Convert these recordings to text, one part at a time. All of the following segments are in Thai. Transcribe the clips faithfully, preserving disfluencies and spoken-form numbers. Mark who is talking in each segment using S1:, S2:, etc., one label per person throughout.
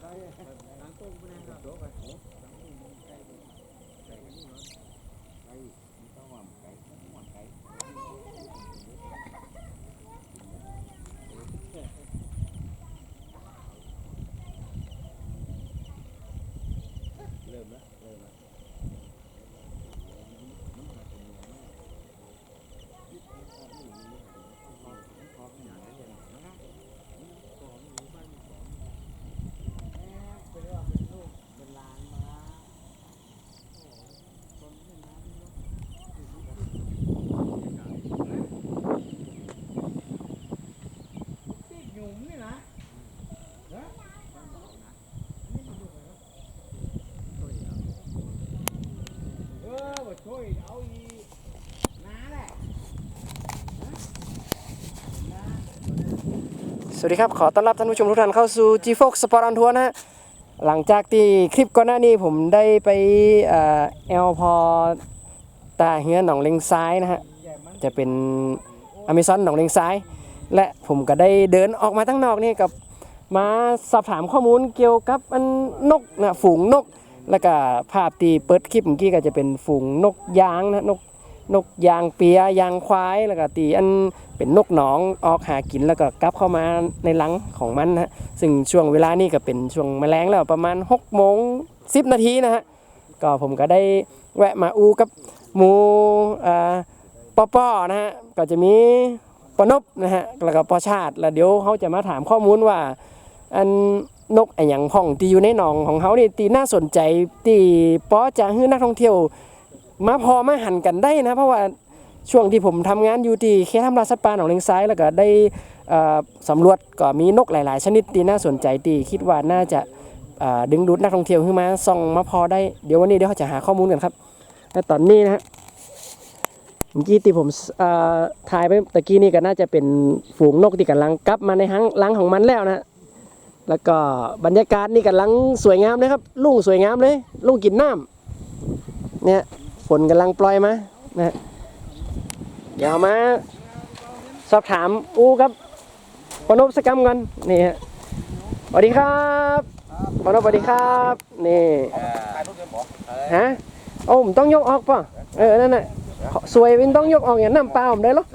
S1: สวัสดีครับขอต้อนรับท่านผู้ชมทุกท่านเข้าสู่ จี โฟร์ Sport on Tour นะฮะหลังจากที่คลิปก่อนหน้านี้ผมได้ไปเอ่อแอลพอตาเฮือหนองเลงซ้ายนะฮะจะเป็นอเมซอนหนองเลงซ้ายและผมก็ได้เดินออกมาทั้งนอกนี่กับมาสอบถามข้อมูลเกี่ยวกับอันนกนะฝูงนกแล้วก็ภาพที่เปิดคลิปเมื่อกี้ก็จะเป็นฝูงนกยางนะนกนกยางเปียยางควายแล้วก็ตีอันเป็นนกหนองออกหากินแล้วก็กลับเข้ามาในรังของมันนะซึ่งช่วงเวลานี้ก็เป็นช่วงแมลงแล้วประมาณหกโมงสิบนาทีนะฮะก็ผมก็ได้แวะมาอูกับหมูอ่าป้อป้อนะฮะก็จะมีปนบนะฮะแล้วก็ปอชาติแล้วเดี๋ยวเขาจะมาถามข้อมูลว่าอันนกไอ้หยังพ่องที่อยู่ในหนองของเขานี่ตีน่าสนใจตีป้อจะให้นักท่องเที่ยวมาพอมาหันกันได้นะเพราะว่าช่วงที่ผมทำงานอยู่ที่เขตทำลายสัตว์ป่าหนองเลงซ้ายแล้วก็ได้สำรวจก็มีนกหลายๆชนิดที่น่าสนใจที่คิดว่าน่าจะดึงดูดนักท่องเที่ยวขึ้นมาส่องมาพอได้เดี๋ยววันนี้เดี๋ยวเขาจะหาข้อมูลกันครับแต่ตอนนี้นะฮะเมื่อกี้ที่ผมถ่ายไปตะกี้นี่ก็น่าจะเป็นฝูงนกที่กำลังกลับมาในรังของมันแล้วนะแล้วก็บรรยากาศนี่กำลังสวยงามเลยครับลุ่งสวยงามเลยลุ่งกินน้ำเนี่ยฝนกำลังปล่อยมานะเดี๋ยวมาสอบถามอูครับปนบสกรรมกันนี่ฮะสวัสดีครับปนบสวัสดีครับนี่ฮะโอ้ผมต้องยกออกป่ะเออนั่นแหละสวยวินต้องยกออกอย่างน้ำเปล่าผมได้หรอ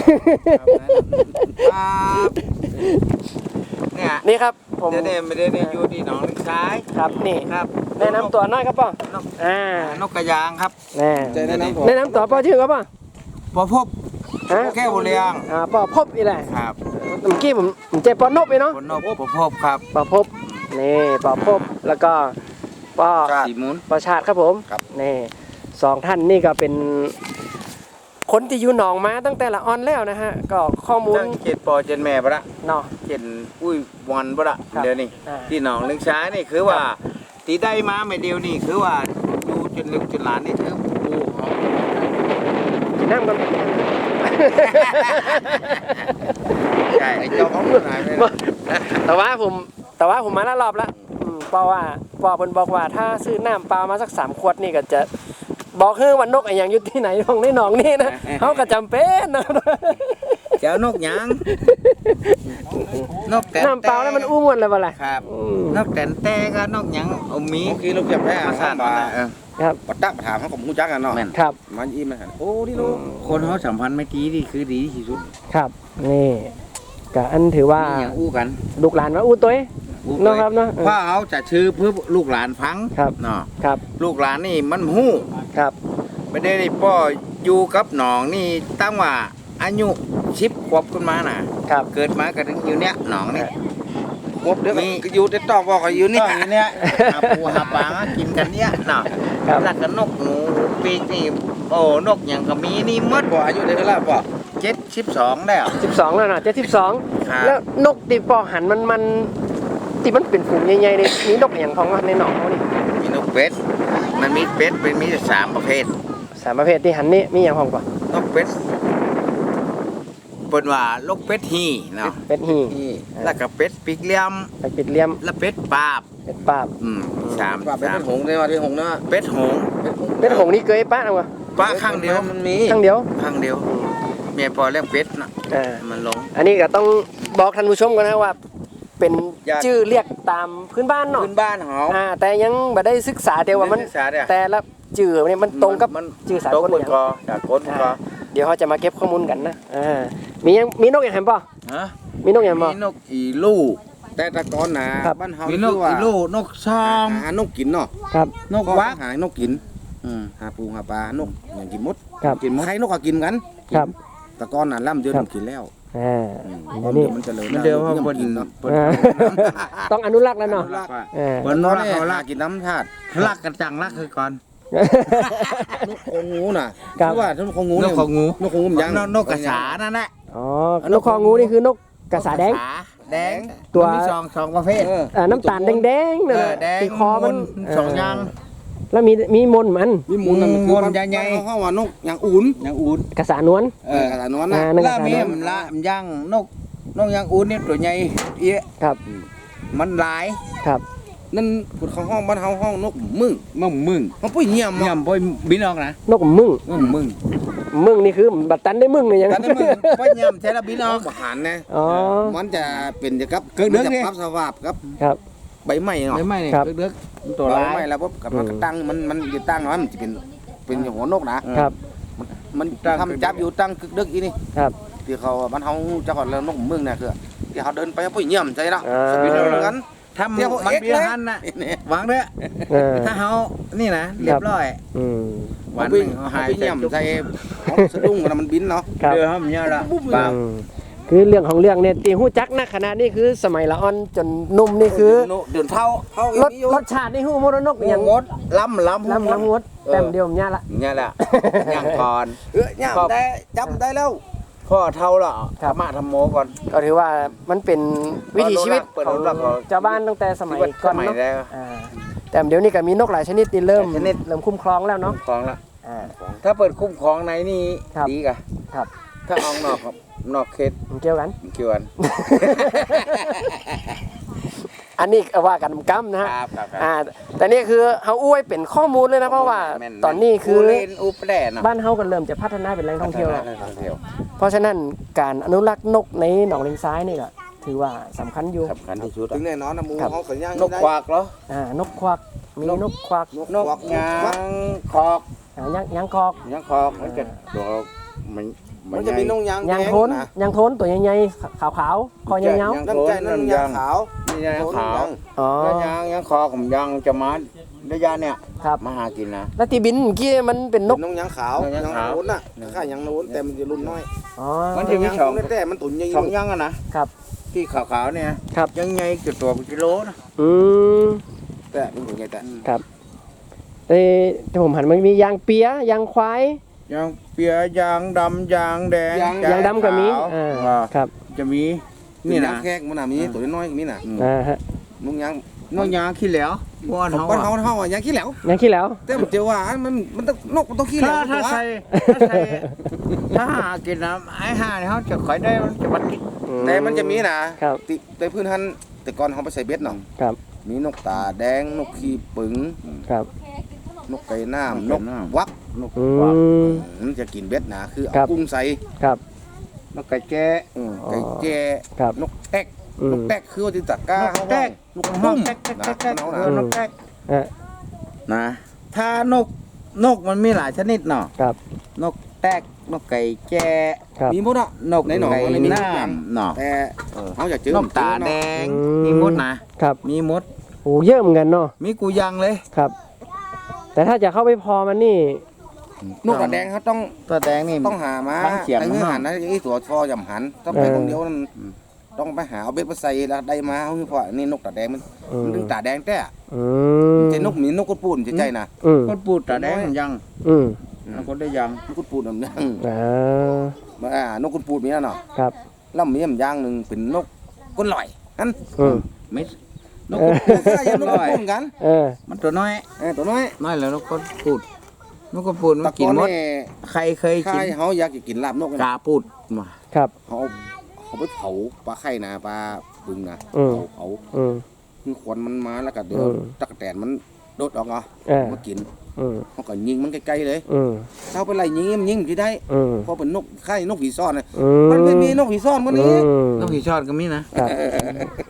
S1: เนี่ยนี่ครับผม
S2: เดี๋ยวไม่ได้ได้อยู่ที่หนองเลงซ้าย
S1: ครับนี่
S2: ครับ
S1: แนะนำตัวน้อยครับป่ะอ่าน
S2: กกระยางครับ
S1: แน่แนะนำแนะนำตัวป่ะชื่อครับป่ะ
S2: ปอพบแก้วเลียง
S1: อ่าป่อพบอีแหละ
S2: ครับ
S1: เมื่อกี้ผมผมเจอปอนบไปเนาะ
S2: ปอนบปอพบครับ
S1: ปอพบนี่ปอพบแล้วก็ปอ
S2: สีมุน
S1: ปอชาติครับผมนี่สองท่านนี่ก็เป็นคนที่อยู่หนองมาตั้งแต่ละออนแล้วนะฮะก็ข้อมูล
S2: เจ็ดปอเจ็ดแม่ปะละ
S1: เนาะ
S2: เจ็ดอุ้ยวันปะละเดี๋ยวนี้ที่หนองเลงซ้ายนี่คือว่าตีได้มาไม่เดียวนี่คือว่าดูจนลึกจนหลานนี่คือปู
S1: น้ำกัน
S2: ใช่เจ้าของหายไป
S1: แต่ว่าผมแต่ว่าผมมาแล้วรอบแล้วเพราะว่าปอเพิ่นบอกว่าถ้าซื้อน้ำเปล่ามาสักสามขวดนี่ก็จะบอกคือวันนกไอ้ยังอยู่ที่ไหนของในหนองนี่นะเขาก็จำเป็นนะ
S2: เจ้านกยัง
S1: นกแต่น้ำเปล่าแล้วมันอู้มวนเลยบ่ล่ะ
S2: ครับนกแต่แต่ก็นกยังเอามี
S3: คือเราเก็บแพ้
S2: มาสั่นมา
S1: ครับ
S3: ปัดดักมาถามเขาผมรู้จักกันเนาะ
S1: ครับ
S3: มันอิ่มเลยโอ้ที่รู้
S2: คนเขาสัมพันธ์ไม่ดีนี่คือดีที่สุด
S1: ครับนี่ก็อันถือว่า
S2: อย่างอู้กัน
S1: ลูกหลานมาอู้ตัวเนาะครับเนาะ
S2: เพราะเขาจะชื่อเพื่อลูกหลานฟังเนาะ
S1: ครับ
S2: ลูกหลานนี่มันหู้
S1: ครับ
S2: ไม่ได้ได้พ่ออยู่กับหนองนี่ตั้งว่าอายุชิบขวบขึ้นมาน่ะเกิดมาก็ถึงอยู่เนี้ยหนองนี่
S3: ขวบเดี๋ยวก็อยู่ในตอกบอกอยู่นี่
S2: เนี้ยหาปูหาปลากินกันเนี้ยเนาะแล้วก็นกหนูปีกนี่โอ้นกอย่างก็มีนี่มด
S3: บ่อายุได้เท่าไหร่ป่ะ
S2: เจ็ดสิบสองแล้ว
S1: สิบสองแล้วนะเจ็ดสิบสองแล้วนกตีปอหันมันมันตีมันเป็นฝูงใหญ่ๆเลยมีนกอย่างของในหนองเขานี่
S2: มีนกเป็ดมันมีเป็ดเป็นมีสามประเภท
S1: สามประเภทที่หันนี่มีอย่างของป่ะ
S2: นกเป็ดเป็นว่าลูกเป็ดฮีเนาะ
S1: เป็ดฮี
S2: แล้วก็เป็ดปีกเลี้ยม
S1: เป็ดปีกเลี้ยม
S2: แล้วเป็ดปาบ
S1: เป็ดปาบ
S2: อืมสาม
S3: เป็ดหงส์ได้มาที่หงส์นะ
S2: เป็ดหงส์
S1: เป็ดหงส์นี่เคยป้าเอาวะ
S2: ป้าข้างเดียว
S3: มันมี
S1: ข้างเดียว
S2: ข้างเดียวเมียพอเลี้ยงเป็ดนะมันลง
S1: อันนี้ก็ต้องบอกท่านผู้ชมกันนะว่าเป็น
S2: ญาติ
S1: ชื่อเรียกตามพื้นบ้านเนาะ
S2: พื้นบ้านเฮา
S1: อ่าแต่ยังบ่ได้ศึกษาเดียวว่ามัน
S2: ศึกษาเด้อ
S1: แต่ละชื่อเนี่ยมันตรงกับ
S2: มัน
S1: ชื่อสา
S2: ตรง
S1: กล
S2: หม
S1: อ
S2: ด
S1: ย่าง
S2: ก็จากคนก็
S1: อ่าเดี๋ยวเขาจะมาเก็บข้อมูลกันนะอ่ามียังมีนกอย่างแฮมป่ะ
S2: ฮะ
S1: มีนกอย่างบ่
S2: มีนกอีลูก
S3: แต่แตะกอนนะครับ บ้านเฮา
S2: มี
S3: นี่
S2: นก
S3: คือว่า
S2: อีลูกนกซอม
S3: หานกกินเนาะ
S1: ครับ
S2: นก
S3: ก็
S2: วัก
S3: หานกกิน
S2: อืม
S3: หาปูหาปลานกอย่างกินมด
S1: ครับ
S3: กินมดใครนกก็กินกัน
S1: ครับ
S3: แตะกอนน่ะล่ำเดือน
S1: ครับ
S3: กินแล้ว
S1: อ่า
S3: อืม
S1: เดี๋ยวนี้
S3: มันเจริญ
S2: มันเดียวว่า
S3: ยัง
S2: เพิ่น
S3: กินเนาะ
S2: เพิ่น
S1: อ่า ต้องอนุรักษ์แล้วเนาะ
S3: อนุรักษ์
S1: เออ
S2: เพิ่น
S3: ต
S2: น
S3: อน
S2: ก
S3: นี้
S2: เขา
S3: ลา
S2: ลัก
S3: กินน้ำธาตุ
S2: ลักกันจังลักคือก่อน
S3: นกคงงูน่ะ
S1: ครับ
S3: คือว่านกคงงู
S2: น
S3: เนี่
S2: ก
S3: ย
S2: ของงู
S3: นกคงงูมันยัง
S2: นกนกกระสานั่นแหละ
S1: อ๋อนกคองูนี่คือนกกระสาแดง
S2: แดง
S1: ตัว
S2: มันมีสองสองประเภท
S3: เออ
S1: อ่าน้ำตาลแดงๆนั่น
S2: เอ
S1: น่ะ
S2: อแดง
S1: ที่คอมัน
S2: สองอย่าง
S1: แล้วมีมีมนต์มัน
S3: มีหมูนั่น
S2: หมู
S3: คือ
S2: มันใหญ่ๆ
S3: บ้านเขาว่านกอย่างอุ่น
S2: อย่างอุ่น
S1: กระสานวล
S3: เออกระสานอน
S1: อ่า
S3: น่ะ
S1: นั่นก
S2: แล้
S1: ระ
S2: ว
S1: สา
S2: มี
S1: นวล
S2: มันละมันย่างนกนกอย่างอุ่นนี่ตัวใหญ่เอี้ย
S1: ครับ
S2: มันหลาย
S1: ครับ
S3: นั่นพูดเขาห้องบ้านเฮาห้องนกมึง
S2: มึงมึง
S3: มันปุ้ยเงียบ
S2: เยี่ยมพ่อบินออกนะ
S1: นกมึง
S2: มึงมึง
S1: มึงนี่คือบัดตันได้มึงเลยยัง
S2: แต่ถ้ามึงพ่อเยี่ยมใช่แล้วบินอ
S3: น้
S2: อ
S3: อก งบหันนะ
S1: อ๋อ
S3: มันจะเป็นจะกับ
S2: เกิดเรื่อง
S3: มัน
S2: นี่
S3: จะปรับสภาพครับ
S1: ครับ
S3: ใบไม้เนาะ
S2: ไม่ไม่เนี่ย
S1: ครับ
S2: เลือกๆตัว
S3: ใบ
S2: ร้าย
S3: ไม้แล้วปุ๊บกับมันก็ตั้งมันมันจะตั้งมันจะเป็นเป็นหัวนกนะครับ มัน
S2: ตั้ง
S3: ทำจับอยู่ตั้งกึกดึกอีนี่
S1: ครับ
S3: ที่เขาบ้านเฮาเจ้าของแล้วนกมึงเนี่ยคือที่เขาเดินไปปุ้ยเงียบใจละ
S1: อ่า
S3: สปินเอางั้น
S2: ถ้ามัน
S3: เดี๋ยวผม
S2: มัน
S3: เอ็กซ์
S2: เบี้ย
S3: เลย
S2: หันน่ะ
S3: เนี่ย
S2: หวังเด้อ
S1: เออ
S2: ถ้าเฮานี่นะเรียบร้อย
S1: อืม
S2: วันห
S3: ปุ้ย
S2: นึ่งเขา
S3: หา
S2: หาย
S3: ยเงียบใจของสะดุ้งกันมันบินเนาะ
S1: ครับ
S2: เดือดมันเยอะละบาป
S1: อืมคือเรื่องของเรื่องเนี่ยตีหู้จักนะขนาดนี้คือสมัยละอ่อนจนหนุ่มนี่คือ
S3: เดือนเท่าเท่าร
S1: สรสชาตินี่หู้มรนกอย่าง
S2: งดล้ำล้ำ
S1: ลำลำงดแต้มเดียวผมย่าละ
S2: เนี่ยแหละย่างก่อน
S3: เออเนี่ยได้จับได้แล้ว
S2: พ่อเท่าละธรรมะธรรมโมก่อน
S1: ก็ถือว่ามันเป็นวิถีชีวิต
S2: เปิด
S1: ของ
S2: อนุรักษ์ของ
S1: ชาวบ้านตั้งแต่สมัย
S2: ชีวิต
S1: ก่อน
S2: สมัย
S1: เนาะ
S2: แล้ว
S1: อ่าแต่เดี๋ยวนี้ก็มีนกหลายชนิดที่เริ่ม
S2: หลายชนิด
S1: เริ่มคุ้มครองแล้วเนาะ
S2: คุ้มครองละ
S1: อ่า
S2: ถ้าเปิดคุ้มครองในนี่
S1: ครับ
S2: ดีกะ
S1: ครับ
S2: ถ้าออกนอกครับนอกเขต
S1: มันเกี่ยวกัน
S2: เกี่ยวกัน
S1: อันนี้ก็ว่ากันกำนะฮะ
S2: ครับครับครับ
S1: อ่าแต่นี่คือเฮาอ้วยเป็นข้อมูลเลยนะเพราะว่า
S2: แม่ๆ
S1: ตอนนี้คือ
S2: อูเลนอูแปรเนาะ
S1: บ้านเฮาก็เริ่มจะพัฒนาเป็นแหล่งท่องเที่ยวแล้ว
S2: ท่องเที่ยว
S1: เพราะฉะนั้นการอนุรักษ์นกในหนองเลงซ้ายนี่ก็ถือว่าสำคัญอยู่
S2: สำคัญที่สุด
S3: ถึงแน่นอนนะหมู
S1: ครับ
S3: เขาสัญญาณ
S2: นกควักเหรอ
S1: อ่านกควักมีนกควัก
S3: นก
S2: นก
S3: ควัก
S2: ยางคอก
S1: อ่ายังยังคอก
S2: ยางคอกมันจะตัวมัน
S3: มันจะมีนกยาง
S1: ยัง
S3: แดง
S1: โทน
S3: นะ
S1: ยังโทนตัวใหญ่ๆขาวๆคอยาว
S3: น้ำใจนั่นยางขาว
S2: นี่ยางขาว
S1: ๆอ๋อ
S2: แล้วยางยางคอกผมยางจะมาระยะเนี่ย
S1: ครับ
S2: มาหากินนะ
S1: แล้วที่บินเมื่อกี้มันเป็นน
S3: น
S1: ก
S3: กนกยางขาวน
S2: กยางขาว
S3: โน้นน่ะค่ายางโน้นแต่มันจะรุ่นน้อย
S1: อ๋อ
S2: มันจะมี
S3: ยาง
S2: สอง
S3: โน้นแต่มันตุ่นใหญ่
S2: สองยางอะนะครับ ที่ขาวๆเนี่ย
S1: ครับ
S2: ยังไงจุดตัวเป็นกิโลนะ
S1: อืม
S3: แต่มันตุ่นใหญ่แต่
S1: ครับเอ้แต่ผมหันมันมียางเปียยางควาย
S2: ยางเปียยางดำยางแดง
S1: ยางดำก็มี
S2: ขาว
S1: อ่า
S2: อ่า
S1: ครับ
S2: จะมี
S3: นี่
S2: นี่
S3: นะ
S2: นะ
S3: แขกมันน่ะมีตัวน้อยๆมีน่ะ
S1: อ่าฮะ
S3: นกยาง
S2: นอกยางขี้เหลวบ้าน
S3: ของ
S2: เฮา
S3: บ้านเฮา
S2: อะ
S3: เฮาอ่ะยางขี้เหลว
S1: ยางขี้แล้ว
S3: แต่มันเจอว่ามันมันต้องนกมันต้องขี้เหล
S2: ถ้าว ถ้า
S3: ตัว
S2: ใส่ถ้าใส่ถ้าหากินน้ำไอ้ห่าเนี่ยเขาจะขอยได้มันจะบัดกิน
S3: แต่มันจะมีนะครับ ติในพื้นท่านแต่ก่อนเขาไปใส่เบ็ดเนาะ
S1: ครับ
S3: มีนกตาแดงนกขี้ปึง
S1: ครับ
S3: นกไก่น้ำน
S2: น
S3: ก
S2: กไก่น้ำ
S3: วัก
S2: นก
S1: อื
S2: กวัก
S1: ม
S3: มันจะกินเบ็ดนะคือ
S1: ครั
S3: เอา
S1: บ
S3: กุ้งใส่
S1: ครับ
S2: นกไก่แจ้
S3: อืมไก่แจ้
S1: ครับ
S3: นกแต๊ก
S1: อืม
S3: นกแต๊กคือว่าที่ตะกร้าน
S2: กแต๊ก
S3: นกตุ้ม
S2: แต๊กแต๊กแต๊กแต๊ก
S3: นะ
S2: เออนกแต๊ก
S1: อ่ะ
S2: นะถ้านกนกมันมีหลายชนิดเนาะ
S1: ครับ
S2: นกแต๊กนกไก่แจ้
S1: ครับ
S3: มีหมดอ่ะ
S2: นก
S3: ในหนอง
S2: ไก่
S3: มันมี
S2: น้
S3: ทุกอย่าง
S2: ำเนาะ
S3: แต่เขาอยากเจอน
S2: กตาแดง
S1: อืม
S2: มีมดนะครับ มีมด
S1: โอ้เยอะเหมือนกันเนาะ
S2: มีกูยังเลย
S1: ครับ แต่ถ้าจะเข้าไปพอมันนี่
S3: นกตาแดงเขาต้อง
S2: ตัวแดงนี่
S3: ต้องหามา
S2: บางเขียง
S3: ไอ้เงื่อหันนะไอ้ตัวฟอยำหันต้องไปคนเดียวนั่นต้องไปหาเอาเบ็ดมาใส่แล้วได้มาเขาคือเพราะนี่นกตาแดงมัน
S1: อืม
S3: มันถึงตาแดงแต่
S1: อืม
S3: ใจนกมีนกกระปูนใจนะ
S1: อืม
S2: คนปูดตาแดงมันยัง
S1: อืม
S2: แล้วคนได้ยัง
S3: นกกระปูนมันยัง
S1: อ่า
S3: อ่านกกระปูนมีนั่นเนาะ
S1: ครับ
S3: แล้วมีอย่างอย่างหนึ่งเป็นนกก้นลอยนั่น
S1: อืม
S2: ไม่นก
S1: เออ
S3: ก็ยังนกกระปูนกัน
S1: เออ
S2: มันตัวน้อย
S3: เออตัวน้อย
S2: น้อยแล้วนกคนปูดนกคนปูดมั
S3: ตะ
S2: น
S3: ก
S2: กิน
S3: อน
S2: มด
S3: นี่
S2: ใครเคยกิน
S3: ใครเขาอยากจะกินลาบนก
S2: กาปูดมา
S1: ครับ
S3: เขาเขาไปเผาปลาไข่นะปลาบึงนะ
S1: อืม
S3: เผาเผา
S1: อืม
S3: คือควันมันมาแล้วก็เดี๋ยว
S1: อืม
S3: ตะกแตนมันโดดออกเนาะ
S1: เออ
S3: มากิน
S1: อืม
S3: เขาก็ยิงมันใกล้ๆเลย
S1: อืม
S3: ถ้าไปไล่ยิงมันยิงที่ได้
S1: อืม
S3: เพราะเป็นนกไข่นกผีซ่อนนะ
S1: อื
S3: มันไม่มีนกผีซ่อนมันนี้
S1: อืม
S2: นกผีชอดก็มีนะ
S1: ครับ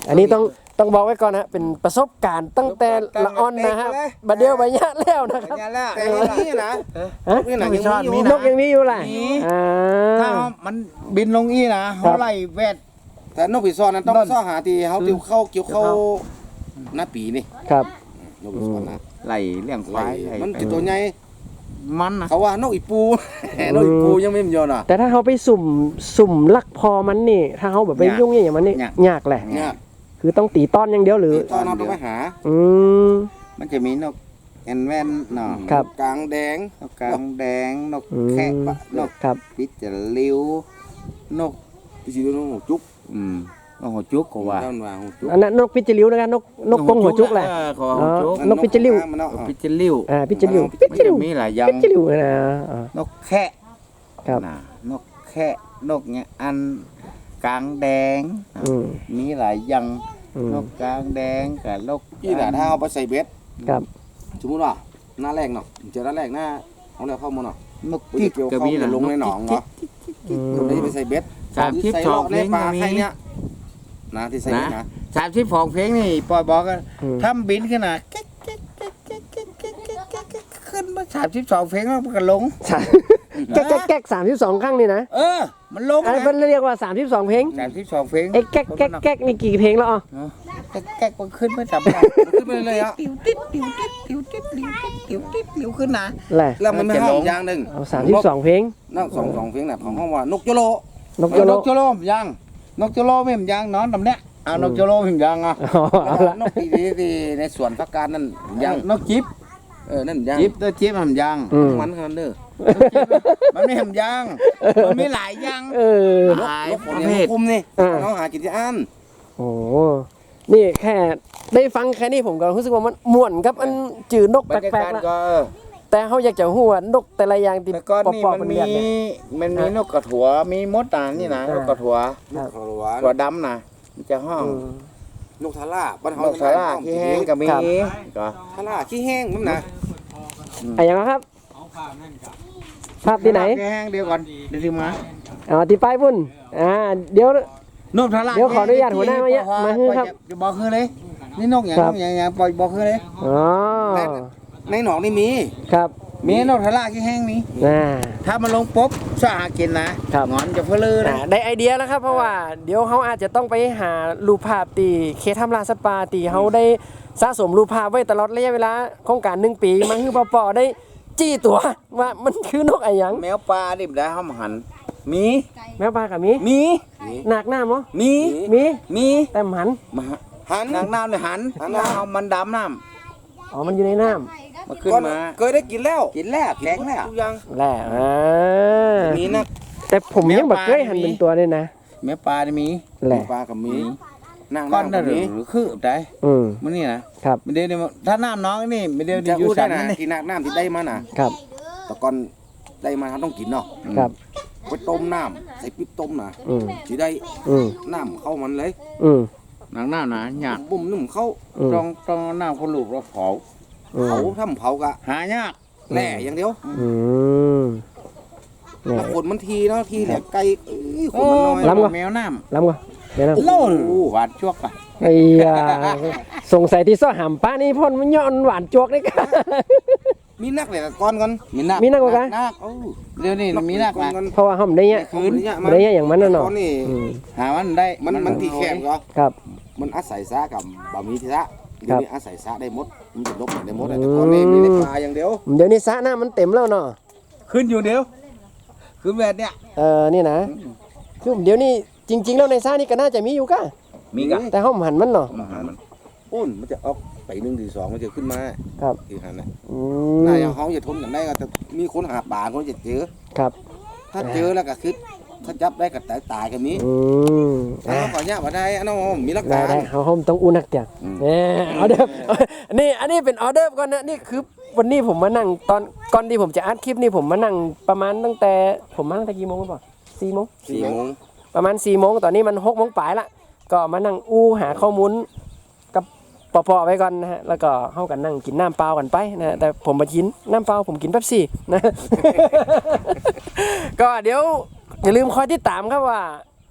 S1: อันนี้ต้องต้องบอกไว้ก่อนนะเป็นประสบการณ์ตั้งแต่ละอ่อนนะฮะบัดเดียวบัดยะแล้วนะครับ
S2: อย่างแล้ว
S3: แต่อย่างนี้นะ
S1: ฮะ
S3: นี่นะ
S2: ไม่
S3: ยัง
S2: ชอบ
S3: มี
S2: มี
S3: อยู่
S2: นะ
S1: นกยังมีอยู่แหละ
S2: มี
S1: อ่า
S2: ถ้ามันบินลงอีนะเขาไล่แวด
S3: แต่นกปีซอนนั้นต้อง
S2: นั่น
S3: ซ่อหาที่เขาติวเข้าเกี่ยวเข้า
S2: เกี่ยวเข้า
S3: หน้าปีนี่
S1: ครับ
S3: นกปีซอนนะ
S2: ไล่เลี้ยงควาย
S3: มันติดตัวใหญ่
S2: มันนะ
S3: เขาว่านกอีปู นกอีปูยังไม่มียอดอ่ะ
S1: แต่ถ้าเขาไปสุ่มสุ่มลักพอมันนี่ ถ้าเขาแบบไปยุ่งอย่างมันนี่ยากแหละ
S3: เนี่ย
S1: คือต้องตีต้อนอย่างเดียวหรือ
S3: ตอนเราต้องไปหา
S1: อืม
S2: มันจะมีนกแอนแวนเนาะ
S1: ครับ
S3: กลางแดง
S2: นกกลางแดงนก
S1: อืม
S2: แคะปะนก
S1: ครับ
S2: ปิจลิวนก
S3: พี่ชีดูนกหัวจุก
S2: อืมนกหัวจุกก็ว่า
S3: ด้านว่าหัวจุก
S1: อันนั้นนกพิจิริ้วนะครับนกนกกงหัวจุกแหละ
S2: เออเขาว่าหัวจุก
S1: นกพิจิริ้ว
S3: มันเนาะ
S2: ปิจลิว
S1: อ่าพิจิริ้ว
S3: มัน
S1: พิจิริ้ว
S2: มีหลายอย่าง
S1: พิจิริ้วนะอ่าน
S2: กแคะ
S1: ครับ
S2: นะนกแคะนกเนี่ยอันกลางแดง
S1: อืม
S2: มีหลายอย่าง
S1: อืม
S2: นกกลางแดงกับนก
S3: พี่น่ะถ้าเอาไปใส่เบ็ด
S1: ครับ
S3: สมมติว่าหน้าแรกเนาะเจอหน้าแรกหน้าเอาแล้วเข้ามาเนาะ
S2: นก
S3: ปุ๊
S2: จิ๊
S3: บ
S2: ก
S3: เกี่ยว
S2: ก็
S3: เข้า
S2: มี
S3: จะ
S2: นะ
S3: ลงในหนองเนาะ
S1: อืม
S3: ผมได้ไปใส่เบ็ด
S2: สามสิบ
S3: ใส่
S2: ส
S3: ล
S2: อ
S3: อง ก
S2: เพ
S3: ใน
S2: ลง
S3: ปลา
S2: ก็มี
S3: ใครเนี่ยนะที่ใส่เบ็ดนะ
S2: สามสิบสองเพลงนี่ปล่อยบอกกัน
S1: อืม
S2: ทำบินขึ้นนะแก๊กแก๊กแก๊กแก๊กแก๊กแก๊กแก๊กแก๊กแก๊กขึ้นมาสามสิบสองเพลงแล้วมันก็ลง
S1: สามแก๊กแก๊กแก๊กสามสิบสองครั้งนี่นะ
S2: เออ มันลง
S1: อัน
S2: นะ
S1: เป็นเรียกว่าสามสิบสองเพลง
S2: สามสิบสองเพลง
S1: ไอ้แก๊กแก๊กแก๊กนี่กี่เพลงแล้วอ๋อ
S2: แก๊กแก๊กมันขึ้นไม่จำได้
S3: ขึ้นไปเลยอ่ะ
S2: ติ๋วติ๊ดติ๋วติ๊ดติ๋วติ๊ดติ๋วติ๊ดติ๋วติ๊ดติ๋วขึ้นนะ
S1: แหละ
S3: แล้วมันไม่ห้องอย่างหนึ่ง
S1: เอาสามสิบสองเพลง
S3: นั่งสองสองเพลงน่ะของห้องว่านกโยโล
S1: นกโยโล
S2: นกโจโลมยังนกโจโลไม่มยังนอนตำเนี้ยเอานกโจโลไม่มยังอ่ะ
S1: อ๋อเอาละ
S3: นกที่ที่ที่ในสวนพักการนั่นยาง
S2: นกจิ๊บ
S3: เออนั่นยาง
S2: จิ๊บตัวจิ๊บมันยัง
S1: อืม
S3: มันขนาดเด้อ
S2: มันไม่ทำยังมันมีหลายยัง
S1: เออ
S2: หลาย
S3: นก
S2: ป
S3: ของ
S2: ระ
S3: เลี้
S2: เภ
S3: ย
S2: ท
S3: งคุมนี่
S1: อ่า
S3: น้องหากินที่อัน
S1: โอ้นี่แค่ได้ฟังแค่นี้ผมก็รู้สึกว่ามันม่วนครับอันจืดนก
S2: บร
S1: แป
S2: รยา
S1: ล
S2: กาก ศ
S1: ๆละ
S2: ก็
S1: แต่เขาอยากจะหัวนกแต่ละอย่างที่
S2: แต่ก่อน
S1: ป
S2: นี่
S1: อบๆ
S2: มัน
S1: เป็น
S2: มี
S1: เรียนเนี่ย
S2: มันมีนกกระถัวมีมดตานี่นะ
S1: อ่าน
S2: กกระถัว
S1: ครับ
S3: เขาหวาน
S2: ตัวดำนะมันจะห้อง
S1: อืม
S3: นกทาร่าบ้านเฮาน
S2: กสาราขี้แห้งก็มี
S1: ครับ
S2: ก็
S3: ทาร่าขี้แห้งนั่นนะ
S1: อะไรอย่างนั้นครับภาพที่ไหน
S2: ขี้แห้งเดียวก่อนเดี๋ยวถึงมา
S1: อ๋อที่ป้ายพุ่นอ่าเดี๋ยว
S2: นกทารา
S1: เดี๋ยวขออนุญาตหัวหน้ามาเนี่ยมาฮื้อครับ
S2: จะบอกคือเลยนี่นกอย่าง
S1: ครั
S2: น
S1: บ
S2: กอย่างอย่างปล่อยบอกคือเลย
S1: อ๋อ
S3: ในหนองนี่มี
S1: ครับ
S2: มีนกทาราขี้แห้งมี
S1: อ่า
S2: ถ้ามันลงปุ๊บสะอาดกินนะครับ งอนจะเพลือ
S1: อ่า
S2: นะ
S1: ได้ไอเดียแล้วครับเพราะว่าเดี๋ยวเขาอาจจะต้องไปหารูปภาพตีเคทำลาสปาตีเขาได้สะสมรูปภาพไว้ตลอดระยะเวลาโครงการหนึ่งปีมันคือปอๆได้จี้ตัวว่ามันคือนกอะไรหยัง
S2: แมวปลาดิบได้ห้ามหัน มี
S1: แม่ปลากับมี
S2: มี
S1: หนักหน้ามั้ง
S2: มี
S1: มี
S2: มี
S1: แต่หมัน
S2: มา
S3: หัน
S2: นางน้ำเนี่ยหัน
S3: หัน
S2: น้ำเอามันดำน้
S1: อ๋อมันอยู่ในน้
S2: ำมาขึ้น
S3: ก่อน
S2: มา
S3: เคยได้กินแล้ว
S2: กินแล้วแข็งแล้ว
S3: ทุกอย่าง
S1: ำแหละอ่า
S3: มีนะ
S1: แต่ผมยังแบบเคยหันเป็นตัวเลยนะ
S2: แม่ปลานี่มี
S1: แหละ
S3: ปลากับมีนาง
S2: ก้อน
S3: น้ำ
S2: ได้
S3: กับ
S2: หรื
S3: มี
S2: อหรือคือได้
S1: อืม
S2: มันนี่นะครับ เดี๋ยวนี้ถ้าน้ำน้องนี่เดี๋ยว
S3: จะ
S2: อยู่
S3: อู้
S2: สั
S3: ได้
S2: น
S3: นะ
S2: นี่
S3: ที่นางน้ำที่ได้มาน่ะ
S1: ครับ
S3: แต่ก่อนได้มาเขาต้องกินเนาะ
S1: ครับ
S3: ไปต้มน้ำใส่ปิ๊บต้มน่ะ
S1: อืม
S3: สิได้
S1: อืม
S3: น้ำเข้ามันเลย
S1: อืม
S2: นางน้ำนะยาก
S3: บุ่มนุ่มเข้า
S1: อืม
S2: ต้องต้องเอาน้ำคนลูกเราเผา
S1: อืม
S3: เผาทำเผากะ
S2: หายาก
S3: แหล่อย่างเดียว
S1: อืมเนี่ย
S3: แล้วขนมันทีเนาะทีแหลกไกลเอ้ยข
S2: โอ้
S3: นมันน้อย
S1: ล้ำกว่า
S2: แมวน้
S1: ล้ำก่อนเดี๋ยวนะ
S2: ำโล่หวานจวกอ่ะ
S1: ไอ้ยาสงสัยที่ซ้อหำป้านี่พ่นมันย้อนหวานจวกได้กัน
S3: มีนักเลยก่อนก่อน
S2: มีนัก
S1: มีนักกว่ากัน
S2: นักเอ้าเดี๋ยวนี้มีนัก
S3: ก่อ
S2: นะ
S3: ก่อน
S1: เพราะว่าห้องได้เงี้ย
S3: คืน
S1: ได้เงี้ยอย่างมันน่ะเนาะ
S3: ตอนนี้
S1: อืม
S2: หามันได้
S3: มันมันทีแคบก็
S1: ครับ
S3: มันอาศัยซะกับบะหมี่ทีละเดี๋ยวนี้อาศัยซะได้หมดมันจะลบได้หมด
S1: อืม
S3: แต่ก่อนนี่มีในปลาอย่างเดียว
S1: เดี๋ยวนี้สระน้ำมันเต็มแล้วเนาะ
S2: ขึ้นอยู่เดียวขึ้นแบบเนี้ย
S1: เออนี่นะคือเดี๋ยวนี้จริง ๆ แล้วในสระนี่ก็น่าจะมีอยู่ก็
S2: มีกะ
S1: แต่ห้องหันมันเนาะ
S2: มาหามัน
S3: อ้นมันจะออกไปหนึ่งทีสองมันจะขึ้นมา
S1: ครับ
S3: ทีหันน่ะ
S1: อื
S3: น่าม อย่างเขาจะทนกันได้ก็จะมีคนหาป่าคนจะเจอ
S1: ครับ
S3: ถ้าเจอแล้วก็คือถ้าจับได้ก็ตายตายกันนี้
S1: อืม
S3: ถ้า
S1: อ่ะ
S3: ขอเนี่ยมาได้อันนั้นมีหลัก
S1: ได้
S3: ฐาน
S1: ได้เขาห้องต้องอู้นักเตียงเนี่ยออเดอร์นี่อันนี้เป็นออเดอร์ก่อนนะนี่คือวันนี้ผมมานั่งตอนก่อนที่ผมจะอัดคลิปนี่ผมมานั่งประมาณตั้งแต่ผมมาตั้งแต่กี่โมงก่อนสี่โมง
S3: สี่โมง
S1: ประมาณสี่โมงตอนนี้มันหกโมงปลายละก็มานั่งอู้หาข้อมูลกับปอๆไว้ก่อนนะฮะแล้วก็เข้ากันนั่งกินน้ำเปล่ากันไปนะฮะแต่ผมมากินน้ำเปล่าผมกินเป๊ปซี่นะ ก็เดี๋ยวอย่าลืมคอยติดตามครับว่า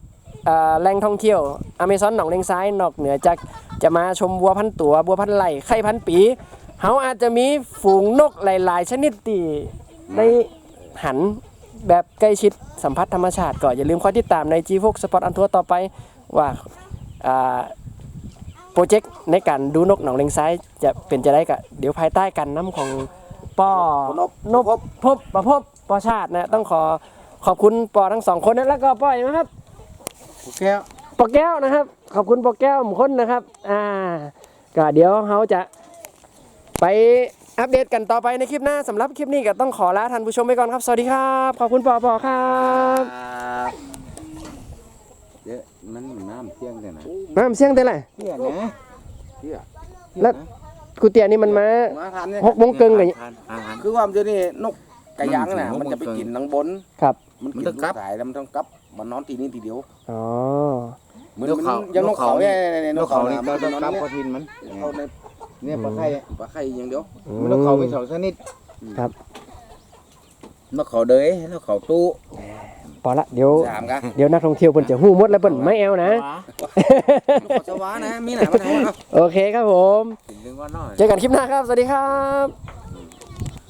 S1: เอ่อแหล่งท่องเที่ยวอเมซอนหนองเลงซ้ายนอกเหนือจากจะมาชมวัวพันตัววัวพันไหลไข่พันปีเขาอาจจะมีฝูงนกหลาย ๆ ชนิดที่ได้หันแบบใกล้ชิดสัมผัสธรรมชาติก็อย่าลืมคอยติดตามใน จี โฟร์ Spot on Tour ต่อไปว่าอ่าโปรเจกต์ในการดูนกหนองเลงซ้ายจะเป็นจะได้กะเดี๋ยวภายใต้การนำของป้อนนพพบประพบปอชาตินะต้องขอขอบคุณปอทั้งสองคนนะแล้วก็ป้อยนะครับ
S2: แก้ว
S1: ปอแก้วนะครับขอบคุณปอแก้วหมคนนะครับอ่าก็เดี๋ยวเขาจะไปอัปเดตกันต่อไปในคลิปหน้าสำหรับคลิปนี้ก็ต้องขอลาท่านผู้ชมไปก่อนครับสวัสดีครับขอบคุณปอปอครับ
S2: เดี๋ยวมันน้ำเที่ยงเลยนะ
S1: น้ำเสียงเท่าไหร่
S2: เที่ยงนะเที่ยง
S1: แล้วกูเตียนี่มันมา
S3: มาทานเนี่ย
S1: หกโมงครึ่งเลย
S3: คือว่ามันจะนี่นกกระยางน่ะมันจะไปกินทางบน
S1: ครับ
S3: มันกินลูกสายแล้วมันต้องกลับมันนอนทีนี้ทีเดียว
S1: อ๋อ
S3: เหมือนมันยังนกเขาเนี่ยเนี่ย
S2: น
S3: น
S2: ก
S3: ก
S2: เขา
S3: เขา
S2: นี่
S3: เนี่ย
S2: ก็
S3: มัน
S2: ต้อง
S3: นอน
S2: กลับ
S3: เนี่ย
S2: กระทินมัน
S3: เขาใน
S2: เนี่ยปลาไข่
S3: ปลาไข่อย่างเดียว
S2: มันนกเขามีสองชนิด
S1: ครับ
S2: นกเขาเดยนกเขาตู้
S1: พอละเดี๋ยว
S3: สามกัน
S1: เดี๋ยวนักท่องเที่ยวเพิ่นจะหู้หมดแล้วเพิ่นไม่แอวนะ
S3: นกเขาสวานะมีไหนมาไหน
S1: โอเคครับผม
S2: ถึงว่าน้อย
S1: เจอกันคลิปหน้าครับ สวัสดีครับ